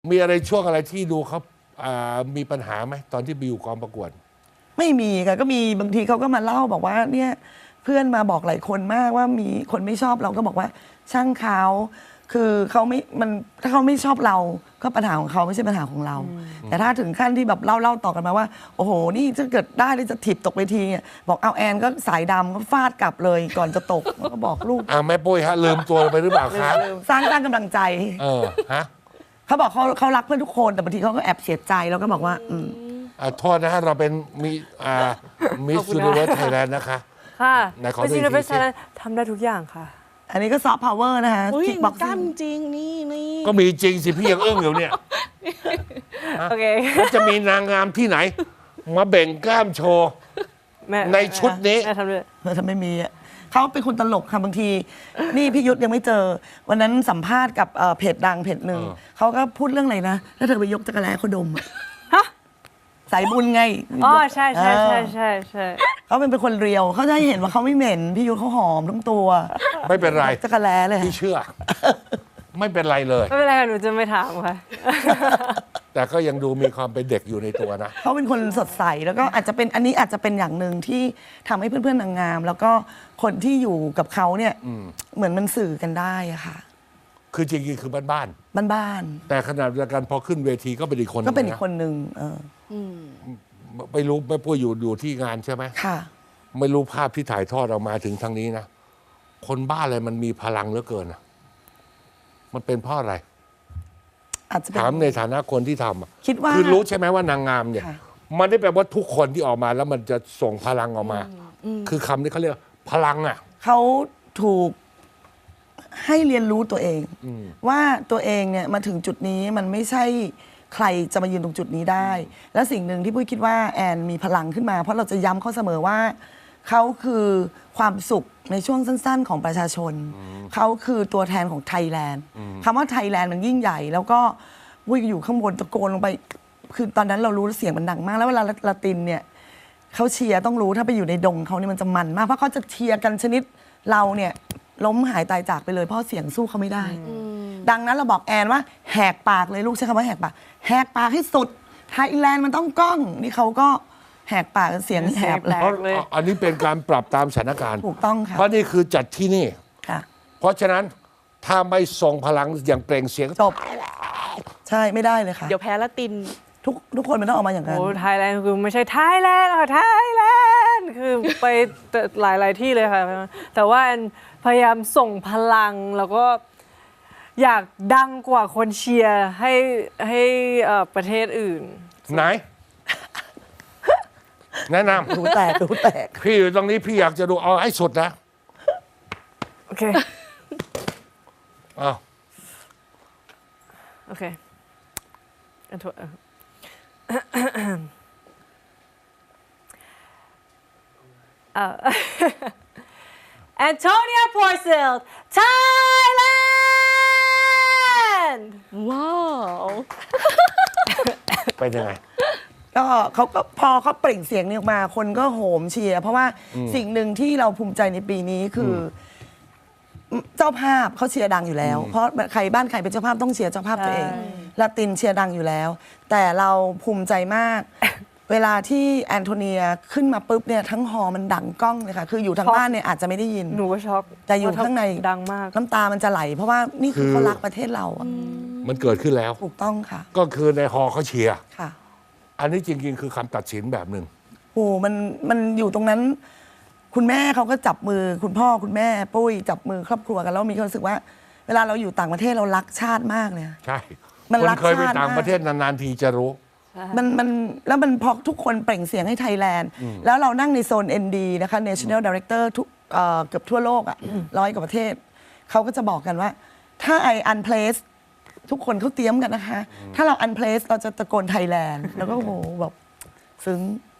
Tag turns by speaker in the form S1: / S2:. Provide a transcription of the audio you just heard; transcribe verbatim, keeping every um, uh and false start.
S1: มีอะไรช่วงอะไรที่ดูเขามีปัญหาไหมตอนที่ไปอยู่กองประกวด
S2: ไม่มีค่ะก็มีบางทีเขาก็มาเล่าบอกว่าเนี่ยเพื่อนมาบอกหลายคนมากว่ามีคนไม่ชอบเราก็บอกว่าช่างเขาคือเขาไม่มันถ้าเขาไม่ชอบเราก็ปัญหาของเขาไม่ใช่ปัญหาของเรา แต่ถ้าถึงขั้นที่แบบเล่าเล่าต่อกันมาว่าโอ้โหนี่ถ้าเกิดได้เลยจะถีบตกเวทีเนี่ยบอกเอาแอนก็สายดำก็ฟาดกลับเลยก่อนจะตกก็บอกลูก
S1: อ่าแม่ปุ้ยฮะลืมตัวไปหรือเปล่าครับ
S2: สร้างสร้างกำลังใจ
S1: เออฮะ
S2: เขาบอกเขาเขารักเพื่อนทุกคนแต่บางทีเขาก็แอบเสียใจแล้วก็บอกว่าอืม
S1: อ่าโทษนะฮะเราเป็นมีอ่ามิสยูนิเวิร์สไทยแลนด์นะคะ
S3: ค่ะ
S1: มิสยูนิเวิร์สไทยแลนด์
S3: ทำได้ทุกอย่างค่ะ
S2: อันนี้ก็ซอฟต์พาวเวอร์นะคะ
S4: คิกบ็อกซิ่งจริงนี่นี่
S1: ก็มีจริงสิพี่ยังอึ้งอยู่เนี่ย
S3: โอเค
S1: จะมีนางงามที่ไหนมาเบ่งกล้ามโชว์ในชุดนี้
S3: แม่ทำด้วย
S2: ทำไม่มีอ่ะเขาเป็นคนตลกค่ะบางทีนี่พี่ยุทธยังไม่เจอวันนั้นสัมภาษณ์กับเพจดังเพจหนึ่งเขาก็พูดเรื่องอะไรนะแล้วเธอไปยกจักรแล้เขาดม
S3: ฮะ
S2: สายบุญไง
S3: อ๋อใช่ใช่ใช่ใช่ใช่
S2: เขาเป็นเป็นคนเรียวเขาจะให้เห็นว่าเขาไม่เหม็นพี่ยุทธเขาหอมทั้งตัว
S1: ไม่เป็นไร
S2: จักรแล้เลย
S1: พี่เชื่อไม่เป็นไรเลย
S3: ไม่เป็นไรหนูจะไม่ถามค่ะ
S1: แต่ก็ยังดูมีความเป็นเด็กอยู่ในตัวนะ
S2: เขาเป็นคนสดใสแล้วก็อาจจะเป็นอันนี้อาจจะเป็นอย่างหนึ่งที่ทำให้เพื่อนๆนางงามแล้วก็คนที่อยู่กับเขาเนี่ยเหมือนมันสื่อกันได้อะค่ะ
S1: คือจริงๆคือบ้านบ้าน
S2: บ้าน
S1: ๆแต่ขนาดเดียวกันพอขึ้นเวทีก็เป็นอีกคน
S2: ก็เป็นอีกคนหนึ่งเออ
S1: ไม่รู้ไม่พูดอยู่อยู่ที่งานใช่ไหม
S2: ค่ะ
S1: ไม่รู้ภาพที่ถ่ายทอดออกมาถึงทางนี้นะคนบ้าอะไรมันมีพลังเหลือเกินนะมันเป็นเพราะอะไรถามในฐานะคนที่ทำ
S2: คิดว่า
S1: คือรู้ใช่ไหมว่านางงามเนี่ยมันได้แปลว่าทุกคนที่ออกมาแล้วมันจะส่งพลังออกมาคือคำนี้เขาเรียกพลังอ่ะ
S2: เขาถูกให้เรียนรู้ตัวเองว่าตัวเองเนี่ยมาถึงจุดนี้มันไม่ใช่ใครจะมายืนตรงจุดนี้ได้ และสิ่งหนึ่งที่ปุ้ยคิดว่าแอนมีพลังขึ้นมาเพราะเราจะย้ำเขาเสมอว่าเขาคือความสุขในช่วงสั้นๆของประชาชนเขาคือตัวแทนของไทยแลนด์คำว่าไทยแลนด์มันยิ่งใหญ่แล้วก็วุ้ยอยู่ข้างบนตะโกนลงไปคือตอนนั้นเรารู้เสียงมันดังมากแล้วเวลาละตินเนี่ยเขาเชียร์ต้องรู้ถ้าไปอยู่ในดงเขาเนี่ยมันจะมันมากเพราะเขาจะเชียร์กันชนิดเราเนี่ยล้มหายตายจากไปเลยเพราะเสียงสู้เขาไม่ได้ดังนั้นเราบอกแอนว่าแหกปากเลยลูกใช้คำว่าแหกปากแหกปากให้สุดไทยแลนด์มันต้องก้องนี่เขาก็แหกปากเสียงแหบ
S1: เลยอันนี้เป็นการปรับตามสถานการณ์
S2: ถูกต้องค่ะ
S1: เพราะนี่คือจัดที่นี่
S2: ค่ะ
S1: เพราะฉะนั้นถ้าไม่ส่งพลังอย่างเปล่งเสียง
S2: จบใช่ไม่ได้เลยค่ะ
S4: เดี๋ยวแพ้ละติน
S2: ทุกทุกคนมันต้องออกมาอย่างนั้น
S3: โอ้ไทยแลนด์คือไม่ใช่ไทยแลนด์ค่ะไทยแลนด์คือไปหลายหลายที่เลยค่ะแต่ว่าพยายามส่งพลังแล้วก็อยากดังกว่าคนเชียร์ให้ให้ประเทศอื่น
S1: ไหนแนะนำ
S2: ดูแตกดูแตก
S1: พี่อยู่ตรงนี้พี่อยากจะดูเอาให้สุดนะ
S3: โอเค
S1: อ้าว
S3: โอเคอันทุแอนโทเนีย พอร์เซล ไทยแลนด์
S4: ว้าว
S1: เป็นยังไง
S2: ก็เขาก็พอเขาเปล่งเสียงนี้ออกมาคนก็โหมเชียร์เพราะว่าสิ่งหนึ่งที่เราภูมิใจในปีนี้คือเจ้าภาพเขาเชียร์ดังอยู่แล้วเพราะใครบ้านใครเป็นเจ้าภาพต้องเชียร์เจ้าภาพตัวเองลาตินเชียร์ดังอยู่แล้วแต่เราภูมิใจมากเวลาที่แอนโทเนียขึ้นมาปุ๊บเนี่ยทั้งฮอมันดังก้องเลยค่ะคืออยู่ทางบ้านเนี่ยอาจจะไม่ได้ยิน
S3: หนูก็ช็อก
S2: แต่อยู่ข้างใน
S3: ดังมาก
S2: น้ำตามันจะไหลเพราะว่านี่คือเขารักประเทศเราอ่ะ
S1: มันเกิดขึ้นแล้ว
S2: ถูกต้องค่ะ
S1: ก็คือในฮอเขาเชียร์
S2: ค่ะ
S1: อันนี้จริงๆคือคำตัดสินแบบหนึ่ง
S2: โอ้มันมันอยู่ตรงนั้นคุณแม่เขาก็จับมือคุณพ่อคุณแม่ปุ้ยจับมือครอบครัวกันแล้วมีความรู้สึกว่าเวลาเราอยู่ต่างประเทศเรารักชาติมากเลย
S1: ใช่มันรักชาติเคยไปต่างประเทศนานๆทีจะรู้
S2: มันมันแล้วมันพอทุกคนเปล่งเสียงให้ไทยแลนด์แล้วเรานั่งในโซน เอ็น ดี นะคะ National Director ทุกเกือบทั่วโลกอ่ะร้อยกว่าประเทศเขาก็จะบอกกันว่าถ้าไออันเพลสทุกคนเขาเตรียมกันนะคะถ้าเราอันเพลสเราจะตะโกนไทยแลนด์แล้วก็โหแบบซึ้ง